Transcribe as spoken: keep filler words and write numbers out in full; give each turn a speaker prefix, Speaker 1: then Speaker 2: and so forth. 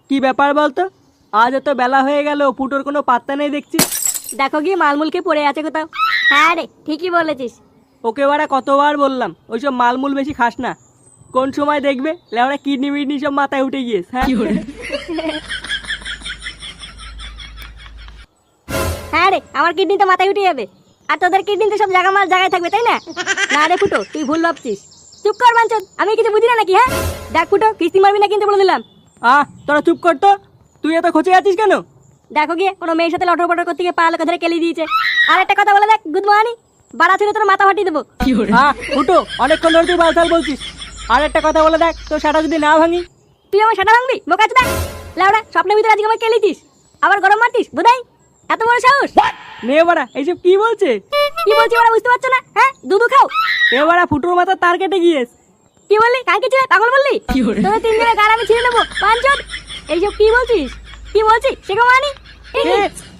Speaker 1: কি ব্যাপার বলতো? আজ এত বেলা হয়ে গেল, ফুটোর কোনো পাত্তা নেই দেখছি।
Speaker 2: দেখো গিয়ে মালমুলকে পড়ে আছে কোথাও। হ্যাঁ রে, ঠিকই বলেছিস।
Speaker 1: ওকে বাড়া কতবার বললাম ওইসব মালমূল বেশি খাস না। কোন সময় দেখবে লেওড়া কিডনি মিডনি সব মাথায় উঠে গিয়েছে। হ্যাঁ
Speaker 2: হ্যাঁ রে, আমার কিডনি তো মাথায় উঠে যাবে, আর তোদের কিডনি তো সব জায়গা মাল জায়গায় থাকবে, তাই না? না রে ফুটো, তুই ভুল ভাবছিস। চুপ কর বাঞ্চদ, আমি কিছু বুঝি না নাকি? হ্যাঁ দেখ ফুটো, কিস্তি মারবি না কিন্তু বলে দিলাম।
Speaker 1: আহ তোরা চুপ কর তো। তুই এত খোঁচে আছিস কেন?
Speaker 2: দেখো গিয়ে কোনো মেয়ের সাথে লটর পটর করতে গিয়ে পা লোকে ধরে কেলি দিয়েছে। আর একটা কথা বলে দেখ গুড মর্নিং, বাড়া ছিল তোর মাথা ফাটিয়ে দেবো।
Speaker 1: আহ ফুটো, অনেকক্ষণ ধরে তুই বালতাল বলছিস। আর একটা কথা বলে দেখ, তোর সেটা যদি না ভাঙি।
Speaker 2: তুই আমার সাটা ভাঙবি? বোকা চোদা লাউড়া, স্বপ্নের ভিতরে আজকে আমার কেলিছিস, আবার গরম মারতিস বোধাই। এত বড় সাহস!
Speaker 1: নে বাড়া এইসব কি বলছে?
Speaker 2: কি বলছি ওরা বুঝতে পারছো না? হ্যাঁ দুধু খাও।
Speaker 1: এ বাড়া ফুটোর মাথা তার কেটে গিয়েছ।
Speaker 2: কি বললি? কাকে ছিল পাগল বললি? তোদের তিনজনের গাল আমি ছিঁড়ে নেবো বাঞ্চদ। এইসব কি বলছিস? কি বলছিস সেগো মানি?
Speaker 1: এ